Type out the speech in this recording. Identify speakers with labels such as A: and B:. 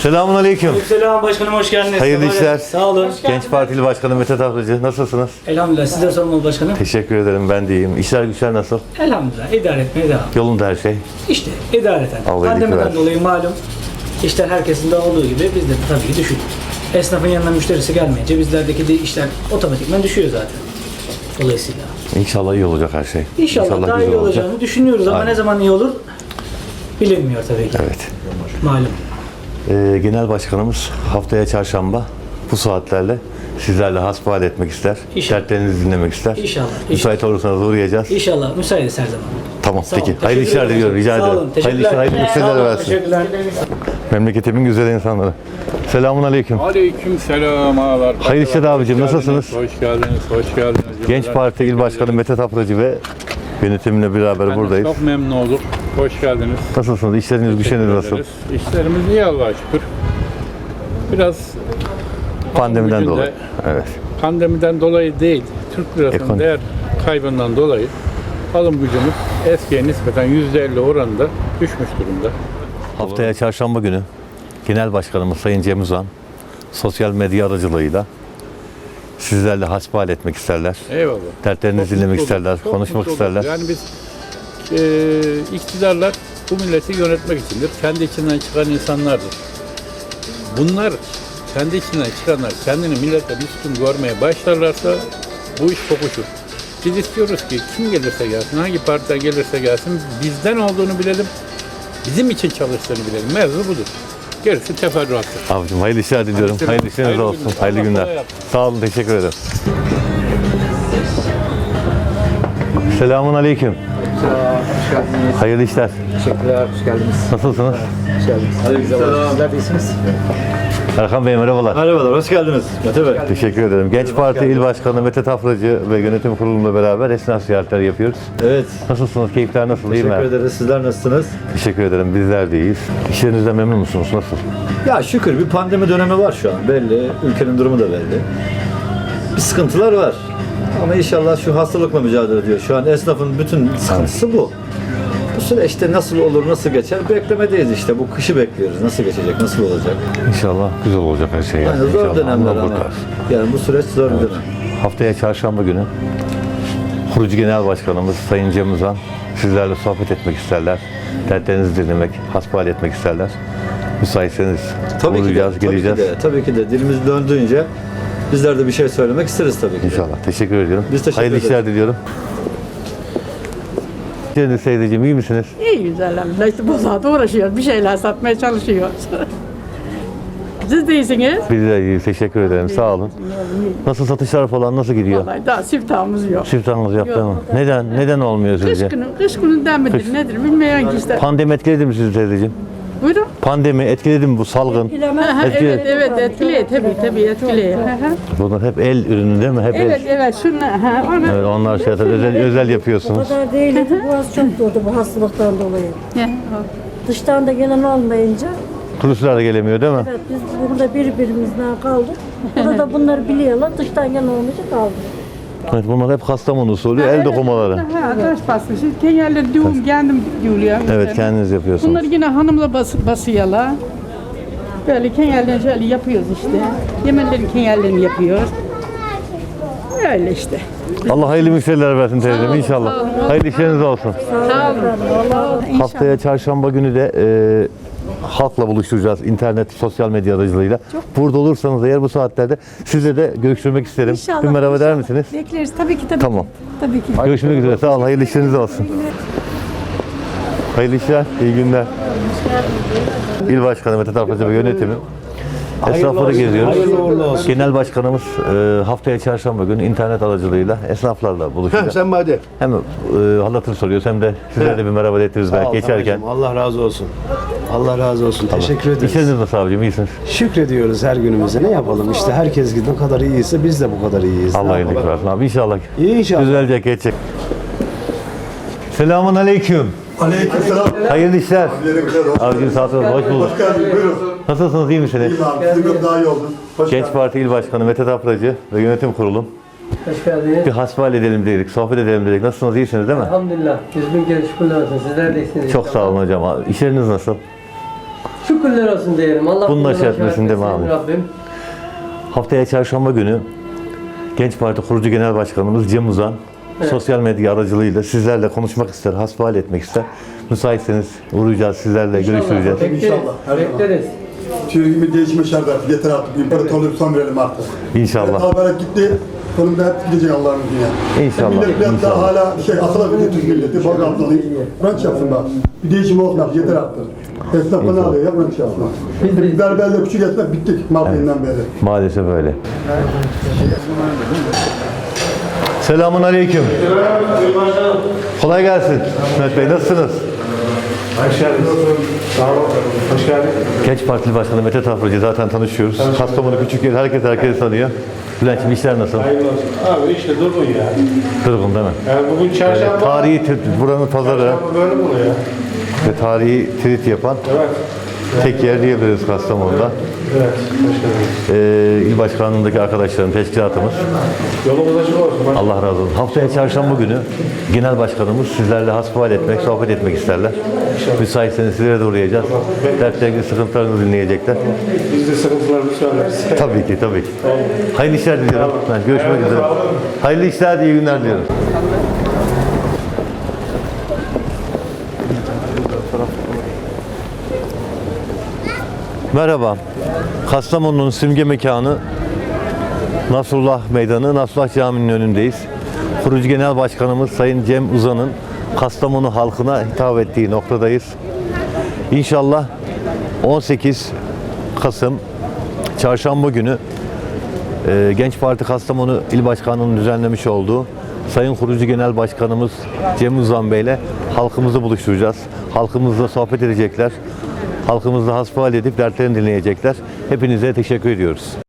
A: Selamun aleyküm.
B: Selam başkanım, hoş geldiniz.
A: Hayırlı işler.
B: Sağ olun.
A: Genç Partili Başkanı Mete Tavracı. Nasılsınız?
B: Elhamdülillah, size sormalı başkanım.
A: Teşekkür ederim, ben de iyiyim. İşler güçler nasıl?
B: Elhamdülillah, idare etmeye devam.
A: Yolunda her şey.
B: İşte idareten.
A: Allah iyilik
B: Pandemiden
A: versin.
B: dolayı malum işler herkesin de olduğu gibi bizde de tabii ki düşük. Esnafın yanına müşterisi gelmeyince bizlerdeki de işler otomatikman düşüyor zaten. Dolayısıyla.
A: İnşallah iyi olacak her şey.
B: İnşallah daha
A: güzel
B: iyi
A: olacak.
B: olacağını düşünüyoruz ama
A: Aynen.
B: ne zaman iyi olur bilinmiyor tabii ki.
A: Evet.
B: Malum.
A: Genel Başkanımız haftaya çarşamba bu saatlerle sizlerle hasbihal etmek ister.
B: İnşallah.
A: Dertlerinizi dinlemek ister.
B: İnşallah.
A: Müsait olursanız uğrayacağız.
B: İnşallah müsaitiz her zaman.
A: Tamam,
B: Sağ
A: peki.
B: olun,
A: Hayırlı
B: teşekkür
A: işler
B: ederim.
A: diliyorum, rica
B: Sağ
A: ederim.
B: olun,
A: Hayırlı işler,
B: teşekkürler.
A: hayırlı
B: Sağ
A: müşteriler
B: olun,
A: versin.
B: teşekkürler.
A: Memleketimin güzel insanları. Selamun aleyküm.
C: Aleyküm selam ağalar.
A: Hayırlı işler abicim,
C: Hoş geldiniz,
A: nasılsınız?
C: Hoş geldiniz, hoş geldiniz.
A: Genç Parti İl Başkanı Mete Tapracı ve yönetimle beraber
C: Ben de
A: buradayız.
C: Çok memnun olduk. Hoş geldiniz.
A: Nasılsınız? İşleriniz, güçleriniz nasıl?
C: Ederiz. İşlerimiz iyi Allah'a şükür. Biraz
A: Pandemiden
C: bugün de
A: dolayı. Evet.
C: pandemiden dolayı değil, Türk lirasının
A: Ekonomi.
C: değer kaybından dolayı alım gücümüz eskiye nispeten %50 oranında düşmüş durumda.
A: Haftaya çarşamba günü Genel Başkanımız Sayın Cem Uzan sosyal medya aracılığıyla sizlerle hasbihal etmek isterler.
C: Eyvallah.
A: Dertlerinizi
C: Çok
A: dinlemek
C: mutlu
A: isterler,
C: olduk, çok
A: konuşmak
C: mutlu olduk.
A: isterler.
C: Yani biz iktidarlar bu milleti yönetmek içindir. Kendi içinden çıkan insanlardır. Bunlar kendi içinden çıkanlar kendini milletten üstün görmeye başlarlarsa bu iş kokuşur. Biz istiyoruz ki kim gelirse gelsin, hangi partiden gelirse gelsin bizden olduğunu bilelim, bizim için çalıştığını bilelim. Mevzu budur. Gerisi teferruattır.
A: Abicim hayırlı işler diliyorum.
C: Hadi
A: Hayırlı işleriniz
C: hayırlı
A: olsun.
C: günler.
A: Hayırlı
C: Allah
A: günler.
C: kolay yapsın.
A: Sağ olun, teşekkür ederim. Selamun aleyküm.
D: Hoş geldiniz.
A: Hayırlı işler.
D: Teşekkürler, hoş geldiniz.
A: Nasılsınız?
D: Hoş geldiniz. Aleykümselam. Sizler de iyisiniz.
A: Erkan Bey merhabalar.
E: Merhabalar, hoş geldiniz Mete Bey.
A: Teşekkür ederim. Genç Parti İl Başkanı Mete Tapracı ve yönetim kurulumla beraber esnaf ziyaretleri yapıyoruz.
E: Evet,
A: Nasılsınız? Keyifler nasıl? İyi
E: teşekkür
A: mi?
E: ederiz. Sizler nasılsınız?
A: Teşekkür ederim. Bizler de iyiyiz. İşlerinizden memnun musunuz? Nasıl?
E: Ya şükür bir pandemi dönemi var şu an. Belli, ülkenin durumu da belli. Bir sıkıntılar var. Ama inşallah şu hastalıkla mücadele ediyor. Şu an esnafın bütün sıkıntısı bu. Bu süreçte nasıl olur, nasıl geçer beklemedeyiz işte. Bu kışı bekliyoruz. Nasıl geçecek, nasıl olacak?
A: İnşallah güzel olacak her şey.
E: Yani zor
A: İnşallah.
E: dönemler
A: Allah
E: ama.
A: kurtar.
E: Yani bu süreç zor bir dönem.
A: Haftaya çarşamba günü Kurucu Genel Başkanımız Sayın Cem Uzan sizlerle sohbet etmek isterler. Dertlerinizi dinlemek, hasbihal etmek isterler. Müsaitseniz uğrayacağız, geleceğiz.
E: Tabii ki de. Dilimiz döndüğünce bizler de bir şey söylemek isteriz tabii ki de.
A: İnşallah. Teşekkür ediyorum.
E: Biz teşekkür
A: Hayırlı
E: ederiz.
A: işler diliyorum. Cennet Seyircim, iyi misiniz?
F: İyi güzel. İşte bu saat uğraşıyoruz. Bir şeyler satmaya çalışıyoruz. Siz de iyisiniz.
A: Biz de iyiyiz. Teşekkür ederim. Sağ olun. Nasıl satışlar falan nasıl gidiyor?
F: Vallahi daha siftahımız yok.
A: Siftahınız yaptı mı? Neden olmuyor sizce?
F: Kış gününden midir nedir bilmiyorum ki işte.
A: Pandemi etkiledi mi sizi teyzeciğim?
F: Buyurun.
A: Pandemi etkiledi mi bu salgın?
F: Ha,
A: Etkiledi.
F: evet etkiliyor tabii etkiliyor.
A: Bunlar hep el ürünü değil mi? Hep
F: Evet
A: el.
F: şunlar onu.
A: Evet, onlar şey özel
G: O
A: yapıyorsunuz.
G: kadar değildi. Boğaz çok durdu bu hastalıktan dolayı. Dıştan da gelen olmayınca
A: Turistler de gelemiyor değil mi?
G: evet, biz burada birbirimizden kaldık. Burada bunları biliyorlar. Dıştan gelen olmayınca kaldık.
A: Evet, bunlar hep Kastamonu usulü el dokumaları.
F: Ha, taş bastı. Şimdi kenyerleri düğüm kendim düğülüyorum.
A: Evet, kendiniz yapıyorsunuz.
F: Bunları yine hanımla basıyorlar. Böyle kenyerlerini şöyle yapıyoruz işte. Yemenlerin kenyerlerini yapıyoruz. Öyle işte.
A: Allah hayırlı müşteriler versin teyzem inşallah. Hayırlı işleriniz olsun.
F: Sağ olun.
A: Haftaya çarşamba günü de halkla buluşturacağız internet, sosyal medya aracılığıyla. Burada olursanız eğer bu saatlerde sizle de görüşmek isterim.
H: İnşallah,
A: Bir merhaba der
H: inşallah.
A: misiniz?
H: Bekleriz tabii ki.
A: Tamam.
H: Tabii ki.
A: Görüşmek üzere. Sağ olun. Hayırlı işleriniz olsun. Hayırlı işler, iyi günler. İl Başkanı Mete Tapracı ve yönetimi. Esnafları geziyoruz. Genel Başkanımız haftaya çarşamba günü internet aracılığıyla esnaflarla buluşacak.
I: Sen hadi.
A: Hem halatını soruyoruz hem de sizlere de bir merhaba ettiriz belki geçerken.
I: Allah razı olsun. Allah razı olsun. Teşekkür ederiz.
A: İşleriniz nasıl abicim? İyisiniz?
I: Şükrediyoruz her günümüze. Ne yapalım işte herkes ne kadar iyiyse biz de bu kadar iyiyiz.
A: Allah
I: Ne
A: iyilik
I: yapalım?
A: versin abi. İnşallah
I: İnşallah.
A: düzelecek, geçecek. Selamun aleyküm.
E: Aleykümselam.
A: Hayırlı işler. Abicim sağ olun. Hoş bulduk.
E: Hoş geldin, buyurun.
A: Nasılsınız? İyi misiniz?
E: İyiyim abi, sizin daha iyi oldun. Hoş
A: Genç
E: geldin.
A: Parti İl Başkanı Mete Tapracı ve yönetim kurulum.
B: Hoş geldiniz.
A: Bir hasbihal edelim dedik, sohbet edelim dedik. Nasılsınız? İyisiniz değil mi?
B: Elhamdülillah. Yüz bin kere şükürler olsun. Sizler de iyisiniz.
A: Çok sağ olun hocam. İşleriniz nasıl?
H: Şükürler olsun diyelim. Allah
A: Bunun
H: bundan
A: aşağı etmesin değil mi
H: etsin
A: abi?
H: Rabbim.
A: Haftaya çarşamba günü Genç Parti Kurucu Genel Başkanımız Cem Uzan sosyal medya aracılığıyla sizlerle konuşmak ister, hasbihal etmek ister. Müsaitseniz uğrayacağız, sizlerle görüşeceğiz.
H: Bekleriz. Bekleriz.
J: Türkiye'nin değişme şartı yeter artık. İmparatorluğu son verelim artık.
A: İnşallah.
J: Haber gitti. Sonunda hep gidecek Allah'ın izniyle.
A: İnşallah.
J: Millet biraz daha
A: İnşallah.
J: hala asılabilir Türk milleti. Bak abdalıyım. Branş yapsınlar. Bir değişim olsun artık. Yeter artık. Esnaf ne alıyor ya branş yapsınlar. Biz berberle küçük esnaf bittik Mardin'den beri.
A: Maalesef öyle. Selamun aleyküm. Kolay gelsin. Mehmet Bey nasılsınız?
I: Hoş geldiniz. Sağ olun. Hoş geldin.
A: Genç Partili Başkanı Mete Tafracı zaten tanışıyoruz. Kastamonu küçük yer, herkes tanıyor. Bülent'ciğim işler nasıl?
I: Hayırlı olsun. Abi işte durgun ya.
A: Durgun değil mi?
I: Yani bugün çarşamba.
A: Tarihi buranın pazarı
I: Çarşamba böyle mi oluyor?
A: ve tarihi trit yapan
I: Evet.
A: tek yer diyebiliriz Kastamonu'da.
I: Evet. Hoş geldiniz.
A: İl başkanlığındaki arkadaşlarım, teşkilatımız.
I: Yolumuz açık olsun.
A: Allah razı olsun. Haftaya çarşamba günü genel başkanımız sizlerle hasbihal etmek, sohbet etmek isterler. Müsaitseniz sizlere de uğrayacağız. Dertlerinizi, sıkıntılarınızı dinleyecekler.
I: Biz de sıkıntılarımızı söyleriz.
A: Tabii ki, tabii ki. Hayırlı işler diliyorum. Görüşmek üzere. Hayırlı işler, iyi günler diliyorum. Merhaba. Kastamonu'nun simge mekanı Nasrullah Meydanı, Nasrullah Camii'nin önündeyiz. Kurucu Genel Başkanımız Sayın Cem Uzan'ın Kastamonu halkına hitap ettiği noktadayız. İnşallah 18 Kasım Çarşamba günü Genç Parti Kastamonu İl Başkanlığı'nın düzenlemiş olduğu Sayın Kurucu Genel Başkanımız Cem Uzan Bey ile halkımızı buluşturacağız. Halkımızla sohbet edecekler. Halkımızla hasbihal edip dertlerini dinleyecekler. Hepinize teşekkür ediyoruz.